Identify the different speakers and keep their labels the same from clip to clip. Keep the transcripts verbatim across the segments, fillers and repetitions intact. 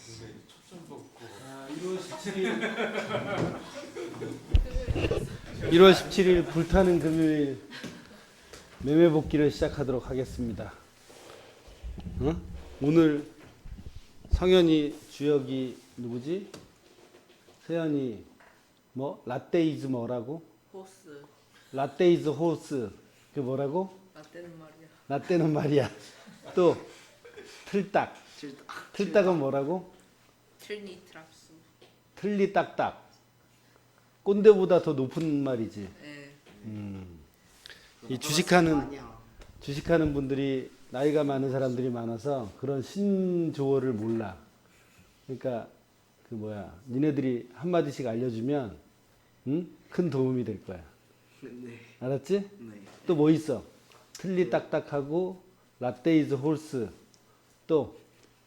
Speaker 1: 아, 일월 십칠일 일월 십칠일 불타는 금요일 매매 복귀를 시작하도록 하겠습니다. 어? 오늘 성현이, 주혁이 누구지? 세연이 뭐 라떼이즈 뭐라고?
Speaker 2: 호스.
Speaker 1: 라떼이즈 호스. 그 뭐라고?
Speaker 2: 라떼는 말이야.
Speaker 1: 라떼는 말이야. 또 틀딱. 틀딱은 뭐라고?
Speaker 2: 트리니 트랍스.
Speaker 1: 틀리 딱딱. 꼰대보다 더 높은 말이지.
Speaker 2: 네.
Speaker 1: 음. 이 주식하는 주식하는 분들이 나이가 많은 사람들이 많아서 그런 신조어를 몰라. 그러니까 그 뭐야, 니네들이 한 마디씩 알려주면 응? 큰 도움이 될 거야.
Speaker 3: 네.
Speaker 1: 알았지?
Speaker 3: 네.
Speaker 1: 또 뭐 있어? 틀리 딱딱하고 라떼이즈 홀스. 또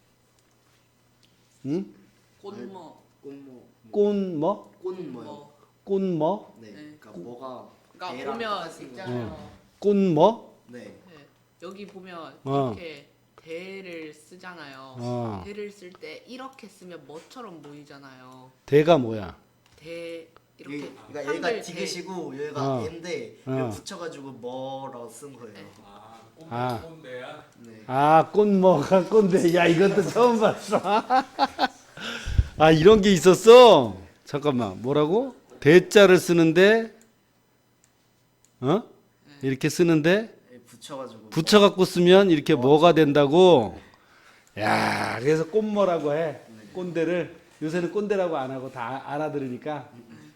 Speaker 1: 응?
Speaker 2: 꽃뭐.
Speaker 3: 꽃모.
Speaker 1: 꼰뭐?
Speaker 3: 꽃모요.
Speaker 1: 꼰뭐?
Speaker 3: 네.
Speaker 2: 네.
Speaker 3: 그러니까 뭐가
Speaker 2: 그러니까
Speaker 3: 개랑
Speaker 2: 보면
Speaker 3: 똑같은 거.
Speaker 2: 있잖아요.
Speaker 1: 꼰뭐?
Speaker 3: 네.
Speaker 2: 네. 여기 보면
Speaker 1: 어.
Speaker 2: 이렇게 대를 쓰잖아요.
Speaker 1: 어.
Speaker 2: 대를 쓸 때 이렇게 쓰면 뭐처럼 보이잖아요.
Speaker 1: 대가 뭐야?
Speaker 2: 대 이렇게
Speaker 3: 여기, 그러니까
Speaker 2: 한글
Speaker 3: 얘가
Speaker 2: 대.
Speaker 3: 지그시고 여기가
Speaker 1: 어.
Speaker 3: N데
Speaker 1: 어.
Speaker 3: 여기 붙여가지고 뭐라고 쓴 거예요.
Speaker 2: 네.
Speaker 4: 아,
Speaker 1: 아.
Speaker 4: 꼰대야?
Speaker 3: 네.
Speaker 1: 아, 꼰뭐가 꼰대. 야, 이것도 처음 봤어. 아, 이런 게 있었어? 잠깐만, 뭐라고? 대자를 쓰는데, 어? 이렇게 쓰는데,
Speaker 3: 여기 붙여가지고
Speaker 1: 붙여갖고 쓰면 이렇게 뭐가 된다고? 야, 그래서 꼰뭐라고 해. 꼰대를. 요새는 꼰대라고 안 하고 다 알아들으니까.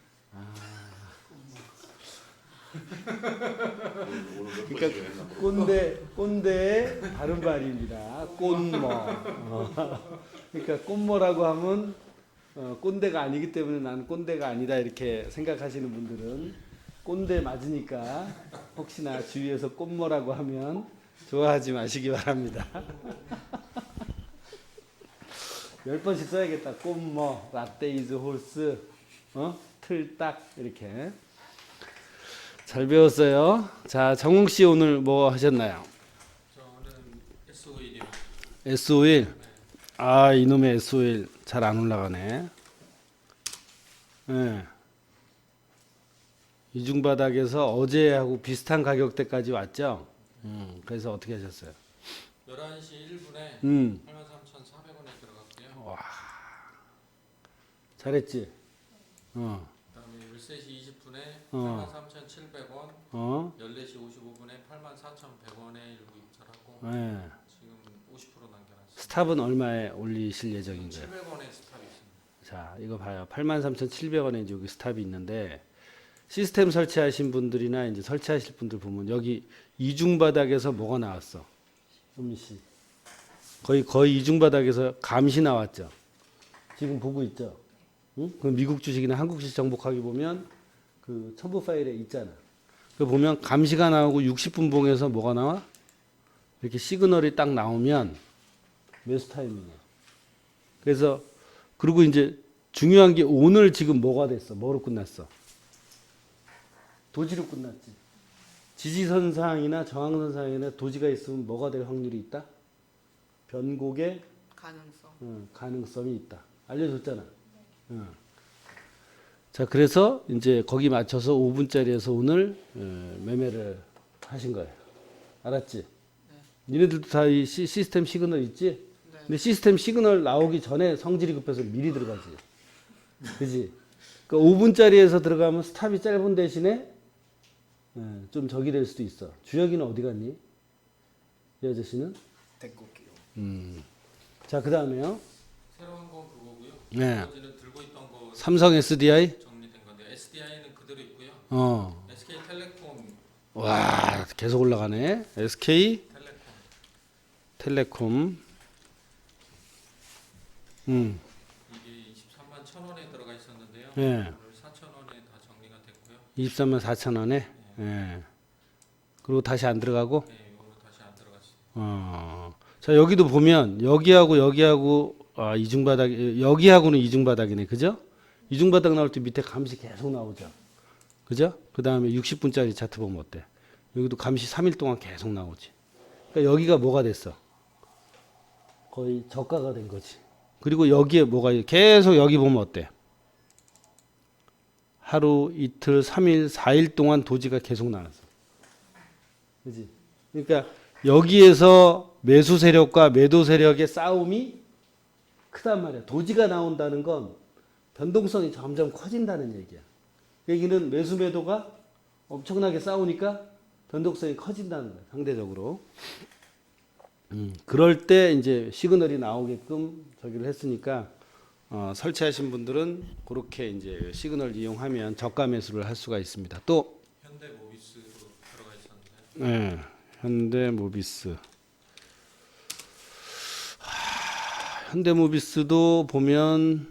Speaker 1: 그러니까 꼰대, 꼰대의 다른 말입니다. 꼰뭐. 어. 그러니까 꼰뭐라고 하면 어, 꼰대가 아니기 때문에 나는 꼰대가 아니다 이렇게 생각하시는 분들은 꼰대 맞으니까 혹시나 주위에서 꼰뭐라고 하면 좋아하지 마시기 바랍니다. 열 번씩 써야겠다. 꼰뭐, 라떼이즈 홀스, 어? 틀딱 이렇게. 잘 배웠어요. 자, 정웅 씨 오늘 뭐 하셨나요?
Speaker 4: 저는 에스오일이요.
Speaker 1: 에스오일. 아, 이놈의 에스오일 잘 안 올라가네. 예. 이중바닥에서 어제하고 비슷한 가격대까지 왔죠? 음, 그래서 어떻게 하셨어요?
Speaker 4: 열한 시 일 분에
Speaker 1: 음,
Speaker 4: 팔만 삼천사백 원에 들어갔고요.
Speaker 1: 잘했지? 어,
Speaker 4: 그다음에 열세 시 이십 분에
Speaker 1: 어.
Speaker 4: 팔만 삼천칠백 원,
Speaker 1: 어,
Speaker 4: 열네 시 오십오 분에 팔만 사천백 원에 일부 입찰하고
Speaker 1: 예.
Speaker 4: 지금 오십 퍼센트 남겨놨습니다.
Speaker 1: 스탑은 얼마에 올리실 예정인가요?
Speaker 4: 칠백 원에 스탑이 있습니다.
Speaker 1: 자, 이거 봐요. 팔만 삼천칠백 원에 이제 여기 스탑이 있는데 시스템 설치하신 분들이나 이제 설치하실 분들 보면 여기 이중 바닥에서 뭐가 나왔어? 현미 씨. 거의 거의 이중 바닥에서 감시 나왔죠. 지금 보고 있죠. 응? 그 미국 주식이나 한국 주식 정복하기 보면 그 첨부 파일에 있잖아. 그 보면 감시가 나오고 육십 분 봉에서 뭐가 나와? 이렇게 시그널이 딱 나오면 매수 타이밍이야. 그래서 그리고 이제 중요한 게 오늘 지금 뭐가 됐어? 뭐로 끝났어? 도지로 끝났지. 지지선상이나 저항선상이나 도지가 있으면 뭐가 될 확률이 있다? 변곡의
Speaker 2: 가능성.
Speaker 1: 어, 가능성이 있다. 알려줬잖아. 어. 자, 그래서 이제 거기 맞춰서 오 분짜리에서 오늘 어, 매매를 하신 거예요. 알았지? 니네들도 다 이 시스템 시그널 있지?
Speaker 2: 네.
Speaker 1: 근데 시스템 시그널 나오기 전에 성질이 급해서 미리 들어가지. 그지? 그러니까 오 분짜리에서 들어가면 스탑이 짧은 대신에 예, 좀 적이 될 수도 있어. 주혁이는 어디 갔니? 이 아저씨는?
Speaker 3: 데리고 올게요.
Speaker 1: 음. 자, 그 다음에요.
Speaker 4: 새로운 건 그거고요.
Speaker 1: 네.
Speaker 4: 나머지는 들고 있던 거
Speaker 1: 삼성 에스디아이?
Speaker 4: 정리된 건데 에스디아이는 그대로 있고요.
Speaker 1: 어.
Speaker 4: 에스케이텔레콤,
Speaker 1: 와, 계속 올라가네. 에스케이
Speaker 4: 텔레콤
Speaker 1: 텔레콤. 음.
Speaker 4: 이게 이십삼만 천 원에 들어가 있었는데요.
Speaker 1: 예.
Speaker 4: 오늘 사천 원에 다 정리가 됐고요.
Speaker 1: 이십삼만 사천 원에. 예. 그리고 다시 안 들어가고.
Speaker 4: 네, 이거는 다시 안 들어갔어요.
Speaker 1: 어. 자, 여기도 보면 여기하고 여기하고 아, 이중바닥 여기하고는 이중바닥이네. 그죠? 이중바닥 나올 때 밑에 감시 계속 나오죠. 그죠? 그다음에 육십 분짜리 차트 보면 어때? 여기도 감시 삼 일 동안 계속 나오지. 그러니까 여기가 뭐가 됐어? 거의 저가가 된 거지. 그리고 여기에 뭐가 있- 계속 여기 보면 어때? 하루, 이틀, 삼 일, 사 일 동안 도지가 계속 나왔어. 그지? 그러니까 여기에서 매수 세력과 매도 세력의 싸움이 크단 말이야. 도지가 나온다는 건 변동성이 점점 커진다는 얘기야. 얘기는 매수 매도가 엄청나게 싸우니까 변동성이 커진다는 거야. 상대적으로. 음, 그럴 때 이제 시그널이 나오게끔 저기를 했으니까 어, 설치하신 분들은 그렇게 이제 시그널 이용하면 저가 매수를 할 수가 있습니다. 또
Speaker 4: 현대 모비스도 들어가 있었는데
Speaker 1: 네, 현대모비스. 하, 현대모비스도 보면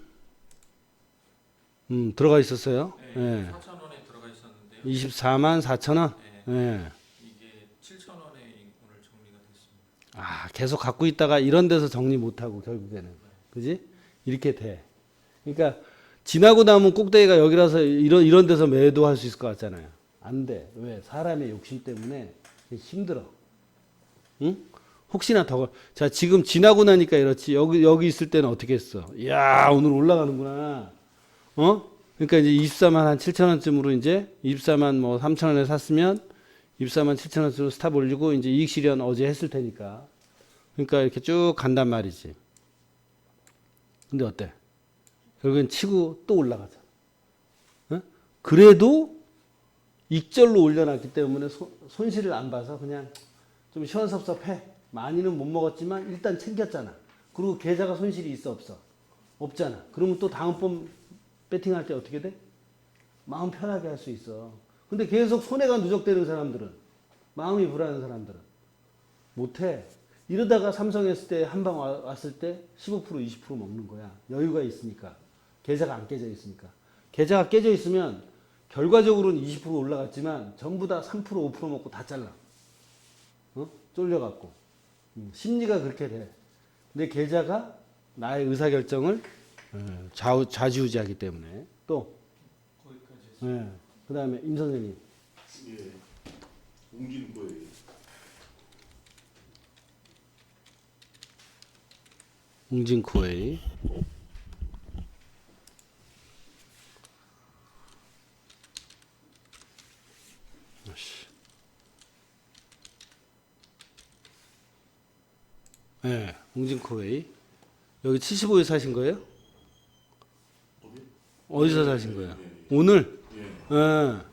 Speaker 1: 음, 들어가 있었어요.
Speaker 4: 네,
Speaker 1: 네.
Speaker 4: 사천 원에 들어가 있었는데요.
Speaker 1: 이십사만 사천 원.
Speaker 4: 네,
Speaker 1: 네.
Speaker 4: 이게 칠천 원에 오늘 정리가 됐습니다.
Speaker 1: 아, 계속 갖고 있다가 이런 데서 정리 못 하고 결국에는. 그지? 이렇게 돼. 그러니까 지나고 나면 꼭대기가 여기라서 이런 이런 데서 매도할 수 있을 것 같잖아요. 안 돼. 왜? 사람의 욕심 때문에 힘들어. 응? 혹시나 더. 자, 지금 지나고 나니까 이렇지. 여기 여기 있을 때는 어떻게 했어? 야, 오늘 올라가는구나. 어? 그러니까 이제 이십사만 한 칠천 원쯤으로 이제 이십사만 뭐 삼천 원에 샀으면 이십사만 칠천 원쯤으로 스탑 올리고 이제 이익 실현 어제 했을 테니까. 그러니까 이렇게 쭉 간단 말이지. 근데 어때? 결국엔 치고 또 올라가잖아. 어? 그래도 익절로 올려놨기 때문에 소, 손실을 안 봐서 그냥 좀 시원섭섭해. 많이는 못 먹었지만 일단 챙겼잖아. 그리고 계좌가 손실이 있어 없어? 없잖아. 그러면 또 다음번 배팅할 때 어떻게 돼? 마음 편하게 할 수 있어. 근데 계속 손해가 누적되는 사람들은, 마음이 불안한 사람들은 못해. 이러다가 삼성 했을 때 한 방 왔을 때 십오 퍼센트 이십 퍼센트 먹는 거야. 여유가 있으니까. 계좌가 안 깨져 있으니까. 계좌가 깨져 있으면 결과적으로는 이십 퍼센트 올라갔지만 전부 다 삼 퍼센트 오 퍼센트 먹고 다 잘라. 어? 쫄려갖고. 음, 심리가 그렇게 돼. 근데 계좌가 나의 의사결정을 어, 좌우, 좌지우지하기 때문에. 또,
Speaker 4: 거기까지
Speaker 1: 예. 그 다음에 임 선생님.
Speaker 5: 예, 옮기는 거예요.
Speaker 1: 웅진코웨이. 예, 웅진코웨이. 여기 칠십오에 사신 거예요?
Speaker 5: 어디?
Speaker 1: 어디서
Speaker 5: 예,
Speaker 1: 사신
Speaker 5: 예,
Speaker 1: 거예요?
Speaker 5: 예, 예.
Speaker 1: 오늘?
Speaker 5: 예.
Speaker 1: 예,
Speaker 5: 음,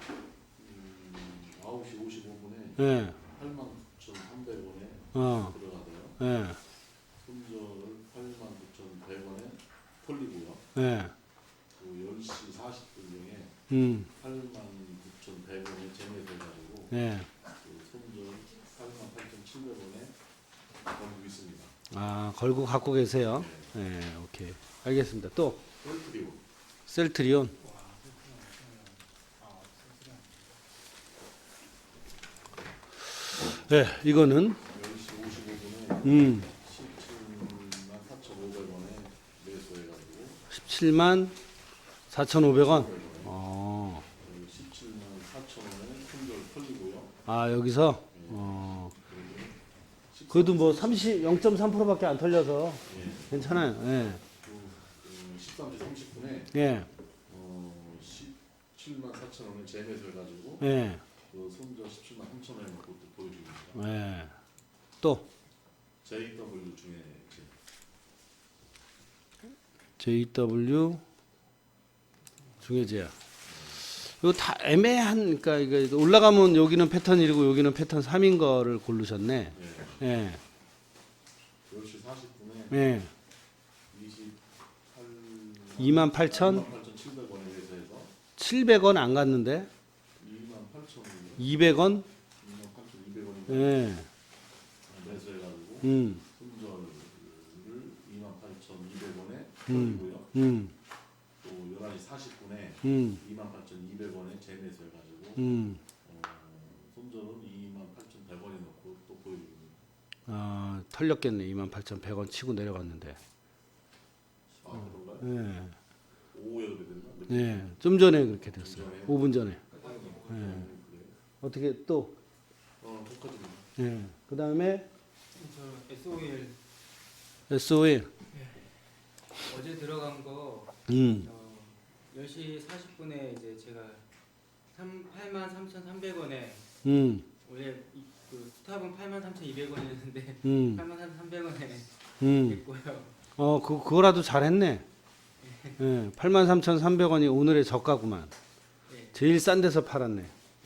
Speaker 5: 아홉 시 오십오 분에
Speaker 1: 예,
Speaker 5: 팔만 구천삼백 원에
Speaker 1: 어,
Speaker 5: 들어가고요.
Speaker 1: 예,
Speaker 5: 손절을 팔만 구천백 원에 털리고요.
Speaker 1: 예,
Speaker 5: 그 열 시 사십 분경에
Speaker 1: 음,
Speaker 5: 팔만 구천백 원에 재매돼가지고
Speaker 1: 예.
Speaker 5: 그 손절 팔만 팔천칠백 원에 걸고 있습니다.
Speaker 1: 아, 걸고 갖고 계세요? 예, 오케이. 알겠습니다. 또,
Speaker 5: 셀트리온
Speaker 1: 셀트리온. 예, 이거는,
Speaker 5: 열 시 오십오 분에
Speaker 1: 음,
Speaker 5: 십칠만 사천오백 원에 매수해가지고
Speaker 1: 십칠만 사천오백 원.
Speaker 5: 백 원에
Speaker 1: 어,
Speaker 5: 십칠만 사천 원에 손절 털리고요.
Speaker 1: 아, 여기서, 어, 그래도 뭐 삼십, 영 점 삼 퍼센트밖에 안 털려서
Speaker 5: 예.
Speaker 1: 괜찮아요. 예,
Speaker 5: 그 십삼 시 삼십 분에
Speaker 1: 예,
Speaker 5: 어, 십칠만 사천 원에 재매수해가지고
Speaker 1: 예,
Speaker 5: 그 손절 십칠만 삼천 원에 놓고 또 보여주고 있습니다.
Speaker 1: 예. 또,
Speaker 5: 제이더블유 중에
Speaker 1: 제이더블유 중해제야. 이거 다 애매한, 그러니까 이거 올라가면 여기는 패턴 일이고 여기는 패턴 삼인 거를 고르셨네.
Speaker 5: 예.
Speaker 1: 예,
Speaker 5: 열 시 사십 분에
Speaker 1: 예.
Speaker 5: 이십팔
Speaker 1: 이만 팔천?
Speaker 5: 이만 팔천칠백 원에 매수해서
Speaker 1: 칠백 원 안 갔는데?
Speaker 5: 이만 팔천 원
Speaker 1: 이백 원?
Speaker 5: 이만 팔천이백 원에
Speaker 1: 예,
Speaker 5: 매수해가지고
Speaker 1: 음,
Speaker 5: 손절을 이만 팔천이백 원에
Speaker 1: 음.
Speaker 5: 털리고요.
Speaker 1: 음,
Speaker 5: 또 열한 시 사십 분에
Speaker 1: 음,
Speaker 5: 이만 팔천이백 원에 재매수해가지고
Speaker 1: 음.
Speaker 5: 어, 손절은 이만 팔천백 원에 넣고 또 보여줍니다.
Speaker 1: 아, 털렸겠네. 이만 팔천백 원 치고 내려갔는데.
Speaker 5: 아 그런가요?
Speaker 1: 예,
Speaker 5: 오후에 그래 됐나? 몇
Speaker 1: 예. 좀 전에 그렇게 됐어요.
Speaker 5: 전에?
Speaker 1: 오 분 전에.
Speaker 5: 분?
Speaker 1: 예.
Speaker 5: 그래요?
Speaker 1: 어떻게 또,
Speaker 5: 어 똑같습니다.
Speaker 1: 예. 그 다음에
Speaker 4: 저 에스오엘
Speaker 1: 에스오일.
Speaker 6: 어제 들어간 거
Speaker 1: 음.
Speaker 6: 어, 열 시 사십 분에 이제 제가 팔만 삼천삼백 원에
Speaker 1: 음.
Speaker 6: 원래 이, 그 스탑은 팔만 삼천이백 원이었는데
Speaker 1: 음.
Speaker 6: 팔만 삼백 원에
Speaker 1: 음.
Speaker 6: 됐고요.
Speaker 1: 어, 그 그거라도 잘했네. 예. 팔만 삼천삼백 원이 오늘의 저가구만.
Speaker 6: 예.
Speaker 1: 제일 싼 데서 팔았네.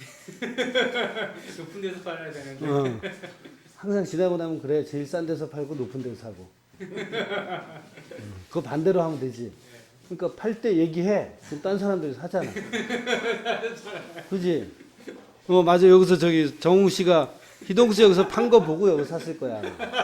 Speaker 6: 높은 데서 팔아야 되는데
Speaker 1: 어. 항상 지나고 나면 그래. 제일 싼 데서 팔고 높은 데서 사고. 음. 그거 반대로 하면 되지. 그러니까 팔 때 얘기해. 그럼 딴 사람들이 사잖아. 그지? 어, 맞아. 여기서 저기 정우 씨가 희동수 여기서 판 거 보고 여기 샀을 거야.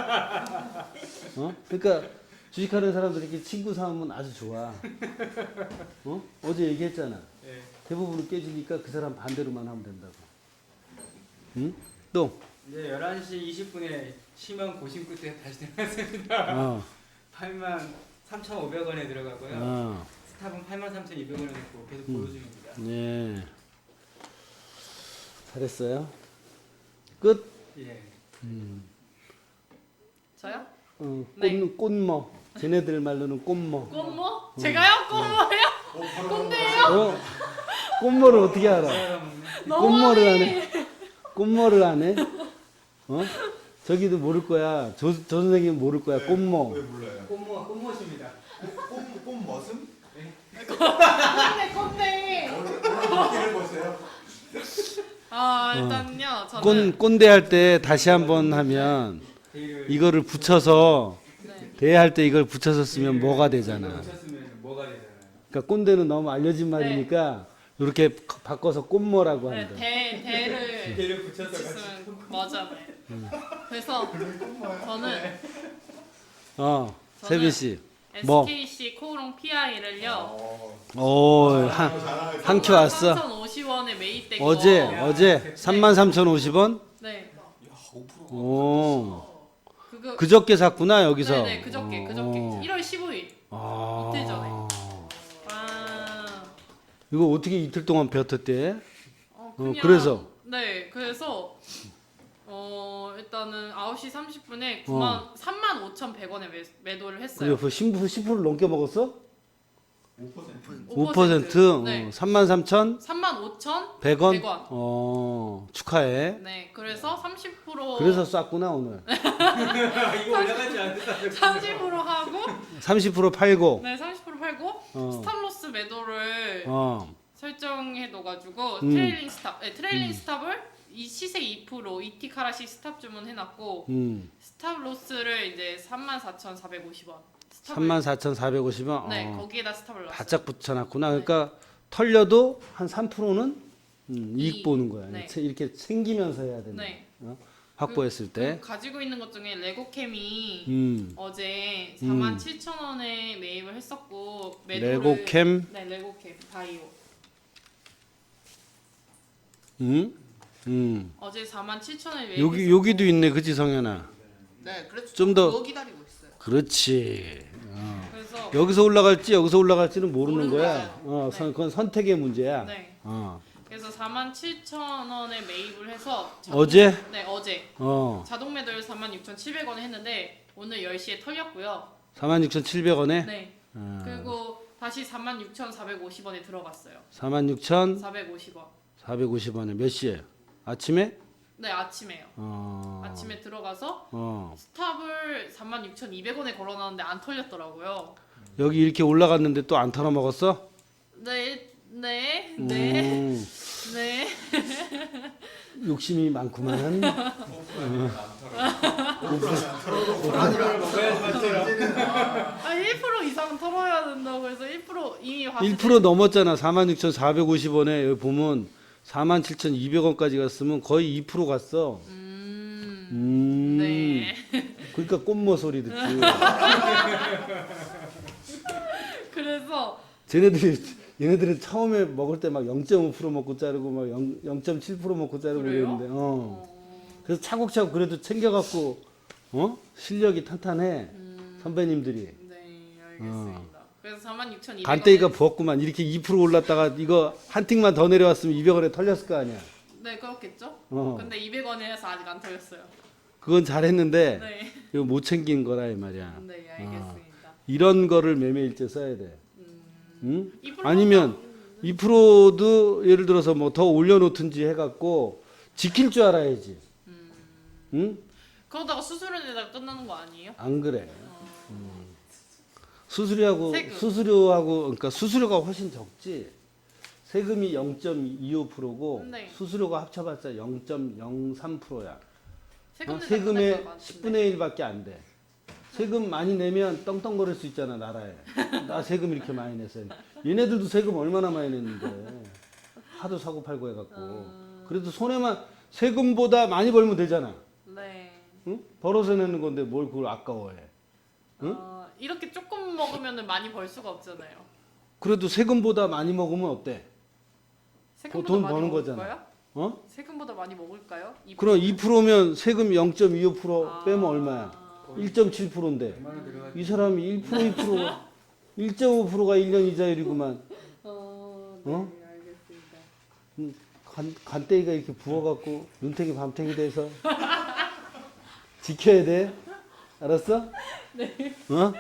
Speaker 1: 어? 그러니까 주식하는 사람들이 이렇게 친구 삼으면 아주 좋아. 어? 어제 얘기했잖아.
Speaker 6: 예.
Speaker 1: 대부분 깨지니까 그 사람 반대로만 하면 된다고. 응? 또?
Speaker 6: 이제 열한 시 이십 분에 심한 고심 끝에 다시 들어갔습니다.
Speaker 1: 어.
Speaker 6: 팔만 삼천오백 원에 들어가고요.
Speaker 1: 어.
Speaker 6: 스탑은 팔만 삼천이백 원에 됐고 계속
Speaker 1: 음.
Speaker 6: 보유 중입니다.
Speaker 1: 네. 잘했어요. 끝.
Speaker 6: 예.
Speaker 1: 음.
Speaker 2: 저요?
Speaker 1: 어, 꽃,
Speaker 2: 네.
Speaker 1: 꽃머. 쟤네들 말로는 꽃머.
Speaker 2: 꽃모? 제가요? 꽃모예요? 꼰대예요?
Speaker 1: 어? 꽃머를 어떻게 알아? 꽃머를 하네. 꽃머를 하네. 어? 저기도 모를 거야. 저, 저 선생님 모를 거야. 꽃머.
Speaker 5: 왜 몰라요?
Speaker 6: 꽃모 꽃모십니다.
Speaker 5: 꽃, 꽃 머슴?
Speaker 2: 꼰대 꼰대.
Speaker 5: 어디를 보세요?
Speaker 2: 아 일단요 저는
Speaker 1: 꼰, 꼰대 할 때 다시 한번 하면
Speaker 6: 데이를
Speaker 1: 이거를 붙여서
Speaker 2: 네.
Speaker 1: 대할 때 이걸 붙여서 쓰면 뭐가 되잖아.
Speaker 6: 붙였으면 뭐가 되잖아요.
Speaker 1: 그러니까 꼰대는 너무 알려진 말이니까 이렇게 바꿔서 꽃머라고
Speaker 2: 네,
Speaker 1: 한다.
Speaker 2: 대 대를
Speaker 6: 데이를 붙여서 같이
Speaker 2: 붙였으면 맞아. 그래서 저는
Speaker 1: 어,
Speaker 2: 저는
Speaker 1: 세빈 씨. 뭐?
Speaker 2: 에스케이씨 코오롱 피아이를요.
Speaker 1: 오, 한, 한 큐 왔어.
Speaker 2: 삼천오십 원에 매입된 거.
Speaker 1: 어제, 어제 삼만 삼천오십 원?
Speaker 2: 네.
Speaker 1: 오,
Speaker 2: 그거
Speaker 1: 그저께 샀구나, 여기서.
Speaker 2: 네네 그저께 그저께
Speaker 1: 어.
Speaker 2: 일월 십오일.
Speaker 1: 아,
Speaker 2: 이틀 전에. 아.
Speaker 1: 이거 어떻게 이틀 동안 뱉었대?
Speaker 2: 어,
Speaker 1: 어,
Speaker 2: 그냥,
Speaker 1: 그래서?
Speaker 2: 네, 그래서 어 일단은 아홉 시 삼십 분에
Speaker 1: 어.
Speaker 2: 구만 삼만 오천백 원에 매, 매도를 했어요.
Speaker 1: 그래, 그 십 퍼센트 넘게 먹었어?
Speaker 5: 오 퍼센트.
Speaker 1: 오 퍼센트?
Speaker 2: 네.
Speaker 1: 어, 삼만 삼천백
Speaker 2: 삼만 오천백
Speaker 1: 원?
Speaker 2: 백 원.
Speaker 1: 어, 축하해.
Speaker 2: 네, 그래서 삼십 퍼센트
Speaker 1: 그래서 쌌구나, 오늘.
Speaker 6: 이거 올라가지 않는다.
Speaker 2: 삼십 퍼센트 하고
Speaker 1: 삼십 퍼센트 팔고,
Speaker 2: 네, 삼십 퍼센트 팔고
Speaker 1: 어.
Speaker 2: 스탑로스 매도를
Speaker 1: 어,
Speaker 2: 설정해 둬 가지고
Speaker 1: 음.
Speaker 2: 트레일링 스탑 네, 트레일링 스탑을 이 시세 이 퍼센트 이티카라시 스탑 주문해 놨고
Speaker 1: 음,
Speaker 2: 스탑 로스를 이제 삼만 사천사백오십 원. 스탑을-
Speaker 1: 삼만 사천사백오십 원?
Speaker 2: 네,
Speaker 1: 어,
Speaker 2: 거기에다 스탑을 넣었어요.
Speaker 1: 바짝 붙여놨구나. 그러니까 털려도 한 삼 퍼센트는 음, 이익
Speaker 2: 이익.
Speaker 1: 보는 거야.
Speaker 2: 네.
Speaker 1: 채- 이렇게 챙기면서 해야 된다.
Speaker 2: 네.
Speaker 1: 어? 확보했을 때.
Speaker 2: 그리고 가지고 있는 것 중에 레고캠이
Speaker 1: 음,
Speaker 2: 어제
Speaker 1: 음.
Speaker 2: 사만 칠천 원에 매입을 했었고 매도를
Speaker 1: 레고캠,
Speaker 2: 네, 레고캠 바이오.
Speaker 1: 음, 음.
Speaker 2: 어제 사만 칠천 원에 매입.
Speaker 1: 여기 여기도 있네, 그치 성현아?
Speaker 2: 네, 그래서
Speaker 1: 좀 더-
Speaker 2: 그거 기다리고 있어요.
Speaker 1: 그렇지. 어.
Speaker 2: 그래서
Speaker 1: 여기서 올라갈지 여기서 올라갈지는 모르는
Speaker 2: 모르는
Speaker 1: 거야.
Speaker 2: 거예요.
Speaker 1: 어,
Speaker 2: 네.
Speaker 1: 선, 그건 선택의 문제야.
Speaker 2: 네.
Speaker 1: 어,
Speaker 2: 그래서 사만 칠천 원에 매입을 해서
Speaker 1: 어제?
Speaker 2: 네, 어제
Speaker 1: 어,
Speaker 2: 자동 매도를 사만 육천칠백 원에 했는데 오늘 열 시에 털렸고요.
Speaker 1: 사만 육천칠백 원에.
Speaker 2: 네.
Speaker 1: 어,
Speaker 2: 그리고 다시 사만 육천사백오십 원에 들어갔어요.
Speaker 1: 사만 육천
Speaker 2: 사백오십 원.
Speaker 1: 사백오십 원에 몇 시에? 아침에?
Speaker 2: 네, 아침에요.
Speaker 1: 어,
Speaker 2: 아침에 들어가서
Speaker 1: 어,
Speaker 2: 스탑을 삼만 육천이백 원에 걸어놨는데 안 털렸더라고요.
Speaker 1: 여기 이렇게 올라갔는데 또 안 털어 먹었어?
Speaker 2: 네, 네, 네,
Speaker 1: 음,
Speaker 2: 네.
Speaker 1: 욕심이 많구만.
Speaker 2: 아, 일 퍼센트 이상 털어야 된다고 해서 일 퍼센트 이미 봤을
Speaker 1: 일 퍼센트 넘었잖아. 사만 육천사백오십 원에 여기 보면 사만 칠천이백 원까지 갔으면 거의 이 퍼센트 갔어.
Speaker 2: 때. 음,
Speaker 1: 음.
Speaker 2: 네.
Speaker 1: 그러니까 꽃모 소리 듣지.
Speaker 2: 그래서
Speaker 1: 쟤네들이 얘네들은 처음에 먹을 때 막 영 점 오 퍼센트 먹고 자르고 막 영 점 칠 퍼센트 먹고 자르고
Speaker 2: 그래요?
Speaker 1: 그랬는데, 어.
Speaker 2: 어,
Speaker 1: 그래서 차곡차곡 그래도 챙겨갖고, 어? 실력이 탄탄해.
Speaker 2: 음,
Speaker 1: 선배님들이.
Speaker 2: 네, 알겠습니다. 그래서 사만 육천이백 원.
Speaker 1: 간대기가 부었구만. 이렇게 이 퍼센트 올랐다가 이거 한 틱만 더 내려왔으면 이백 원에 털렸을 거 아니야.
Speaker 2: 네, 그렇겠죠.
Speaker 1: 어.
Speaker 2: 근데 이백 원에서 아직 안 털렸어요.
Speaker 1: 그건 잘했는데
Speaker 2: 네,
Speaker 1: 이거 못 챙긴 거라 이 말이야.
Speaker 2: 네, 알겠습니다.
Speaker 1: 이런 거를 매매일지에 써야 돼. 응?
Speaker 2: 이 프로도-
Speaker 1: 아니면 이 프로도 예를 들어서 뭐 더 올려놓든지 해갖고 지킬 줄 알아야지. 응?
Speaker 2: 그러다가 수수료내다가 끝나는 거 아니에요?
Speaker 1: 안 그래. 음. 수수료하고
Speaker 2: 세금.
Speaker 1: 수수료하고 그러니까 수수료가 훨씬 적지. 세금이 영 점 이오 퍼센트고
Speaker 2: 네.
Speaker 1: 수수료가 합쳐봤자 영 점 영삼 퍼센트야.
Speaker 2: 세금
Speaker 1: 어?
Speaker 2: 내다
Speaker 1: 세금의
Speaker 2: 끝날 것 같은데.
Speaker 1: 십분의 일밖에 안 돼. 세금 많이 내면 떵떵거릴 수 있잖아 나라에. 나 세금 이렇게 많이 냈어요. 얘네들도 세금 얼마나 많이 냈는데 하도 사고 팔고 해갖고.
Speaker 2: 음.
Speaker 1: 그래도 손해만 세금보다 많이 벌면 되잖아.
Speaker 2: 네.
Speaker 1: 응? 벌어서 내는 건데 뭘 그걸 아까워해. 응?
Speaker 2: 어, 이렇게 조금 먹으면 많이 벌 수가 없잖아요.
Speaker 1: 그래도 세금보다 많이 먹으면 어때?
Speaker 2: 세금보다
Speaker 1: 돈
Speaker 2: 많이
Speaker 1: 버는
Speaker 2: 먹을까요?
Speaker 1: 거잖아. 어?
Speaker 2: 세금보다 많이 먹을까요? 이
Speaker 1: 그럼 이 퍼센트면 세금 영 점 이오 퍼센트
Speaker 2: 아.
Speaker 1: 빼면 얼마야? 일 점 칠 퍼센트인데
Speaker 6: 백만 원 들어가.
Speaker 1: 이 사람이 일 퍼센트 이 퍼센트 일 점 오 퍼센트가 일 년 이자율이구만.
Speaker 2: 어,
Speaker 1: 네, 어?
Speaker 2: 알겠습니다.
Speaker 1: 음, 간, 간땡이가 이렇게 부어갖고 눈탱이 밤탱이 돼서 지켜야 돼. 알았어? 네. 어?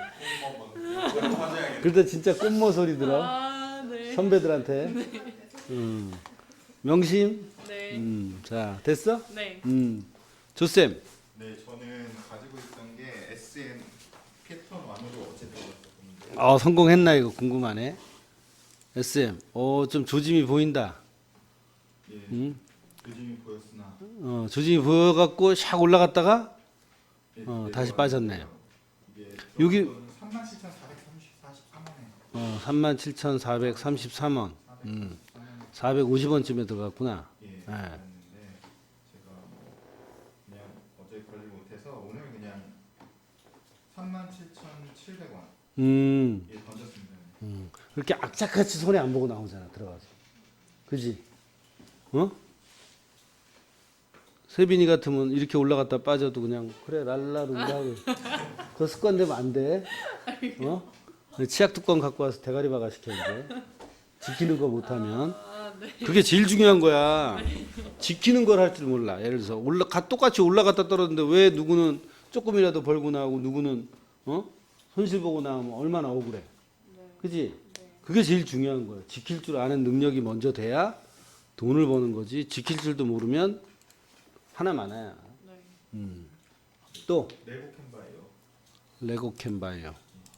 Speaker 1: 그러다 진짜 꽃모 소리 들어.
Speaker 2: 아, 네.
Speaker 1: 선배들한테. 음. 명심.
Speaker 2: 네.
Speaker 1: 음. 자, 됐어?
Speaker 2: 네.
Speaker 1: 음. 조쌤.
Speaker 5: 네, 저는 가지고 있던 게 에스엠 패턴 원으로 어제 배웠었는데
Speaker 1: 어, 성공했나 이거 궁금하네. 에스엠. 어, 좀 조짐이 보인다.
Speaker 5: 예,
Speaker 1: 음.
Speaker 5: 요즘이 보였으나
Speaker 1: 어, 조짐이 보여갖고 샥 올라갔다가
Speaker 5: 예,
Speaker 1: 어,
Speaker 5: 내려가는
Speaker 1: 다시 빠졌네요.
Speaker 5: 이게
Speaker 1: 여기-
Speaker 5: 삼만 칠천사백사십삼 원에
Speaker 1: 어, 삼만 칠천사백삼십삼 원. 음. 사백오십 원쯤에 들어갔구나.
Speaker 5: 예,
Speaker 1: 예.
Speaker 5: 그랬는데 제가 뭐 그냥 어제 걸리 못해서 오늘 그냥 삼만 칠천칠백 원에
Speaker 1: 음.
Speaker 5: 던졌습니다.
Speaker 1: 음. 그렇게 악착같이 손에 안 보고 나오잖아 들어가서. 그지? 어? 세빈이 같으면 이렇게 올라갔다 빠져도 그냥 그래 랄라룰라 하고 그 습관 되면 안 돼. 어? 치약 뚜껑 갖고 와서 대가리 박아 시켜야 돼. 지키는 거 못하면
Speaker 2: 아, 네.
Speaker 1: 그게 제일 중요한 거야. 지키는 걸 할 줄 몰라. 예를 들어서 올라 가 똑같이 올라갔다 떨어졌는데 왜 누구는 조금이라도 벌고 나오고 누구는 어? 손실 보고 나오면 얼마나 억울해.
Speaker 2: 네.
Speaker 1: 그지? 그게 제일 중요한 거야. 지킬 줄 아는 능력이 먼저 돼야 돈을 버는 거지. 지킬 줄도 모르면 하나 많아야.
Speaker 2: 네.
Speaker 1: 음. 또
Speaker 5: 레고 캔바예요.
Speaker 1: 레고 캔바예요.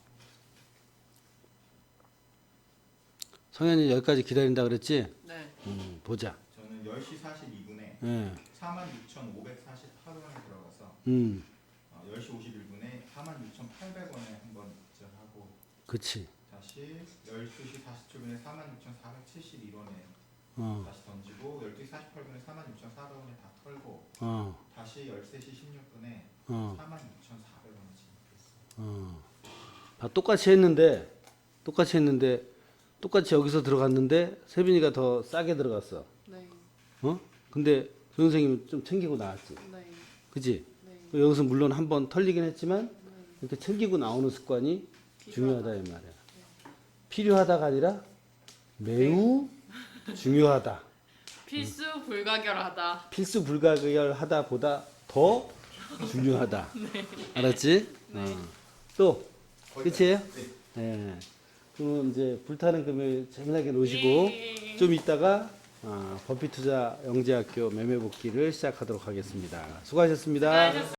Speaker 1: 성현이 여기까지 기다린다 그랬지?
Speaker 2: 네.
Speaker 1: 음, 보자.
Speaker 5: 저는 열 시 사십이 분에
Speaker 1: 예.
Speaker 5: 사만 육천오백사십팔 원에 들어가서
Speaker 1: 음.
Speaker 5: 어, 열 시 오십일 분에 사만 육천팔백 원에 한번 입장하고
Speaker 1: 그치.
Speaker 5: 다시 열두 시 사십칠 분에 사만 육천사백칠십일 원에
Speaker 1: 어.
Speaker 5: 다시 던지고 열두 시 사십팔 분에 사만 육천사백 원에 다 털고
Speaker 1: 어.
Speaker 5: 다시 열세 시 십육 분에
Speaker 1: 어.
Speaker 5: 사만 육천사백 원에 진입했어요.
Speaker 1: 어. 다 똑같이 했는데 똑같이 했는데 똑같이 여기서 들어갔는데 세빈이가 더 싸게 들어갔어.
Speaker 2: 네.
Speaker 1: 어? 근데 선생님은 좀 챙기고 나왔지.
Speaker 2: 네.
Speaker 1: 그지?
Speaker 2: 네.
Speaker 1: 여기서 물론 한 번 털리긴 했지만 이렇게 챙기고 나오는 습관이 중요하다 이 말이야. 필요하다가 아니라 매우 중요하다.
Speaker 2: 필수 불가결하다.
Speaker 1: 필수 불가결하다 보다 더 중요하다. 알았지? 어. 또 끝이에요? 네. 그럼 이제 불타는 금요일 재미나게 노시고
Speaker 2: 예.
Speaker 1: 좀 이따가 어, 버피투자 영재학교 매매복귀를 시작하도록 하겠습니다. 수고하셨습니다.
Speaker 2: 수고하셨습니다.